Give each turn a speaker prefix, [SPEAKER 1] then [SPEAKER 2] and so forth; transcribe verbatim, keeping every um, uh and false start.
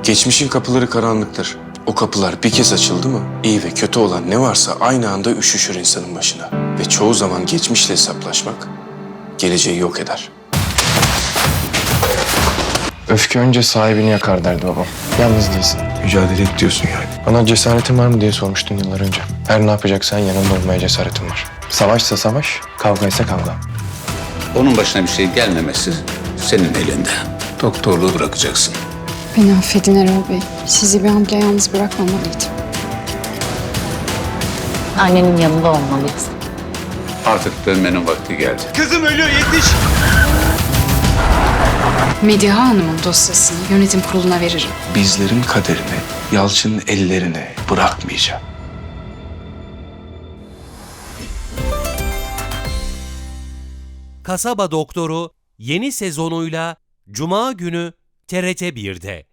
[SPEAKER 1] Geçmişin kapıları karanlıktır. O kapılar bir kez açıldı mı, iyi ve kötü olan ne varsa aynı anda üşüşür insanın başına. Ve çoğu zaman geçmişle hesaplaşmak, geleceği yok eder.
[SPEAKER 2] Öfke önce sahibini yakar derdi babam. Yalnız değilsin.
[SPEAKER 1] Mücadele et diyorsun yani.
[SPEAKER 2] Bana cesaretin var mı diye sormuştun yıllar önce. Her ne yapacaksan yanında olmaya cesaretin var. Savaşsa savaş, kavgaysa kavga.
[SPEAKER 3] Onun başına bir şey gelmemesi senin elinde. Doktorluğu bırakacaksın.
[SPEAKER 4] Beni affedin Erol Bey. Sizi bir an bile yalnız bırakmamalıydım.
[SPEAKER 5] Annenin yanında olmalıyız.
[SPEAKER 3] Artık dönmenin vakti geldi.
[SPEAKER 4] Mediha Hanım'ın dosyasını yönetim kuruluna veririm.
[SPEAKER 1] Bizlerin kaderini Yalçın'ın ellerine bırakmayacağım.
[SPEAKER 6] Kasaba Doktoru yeni sezonuyla Cuma günü T R T bir'de.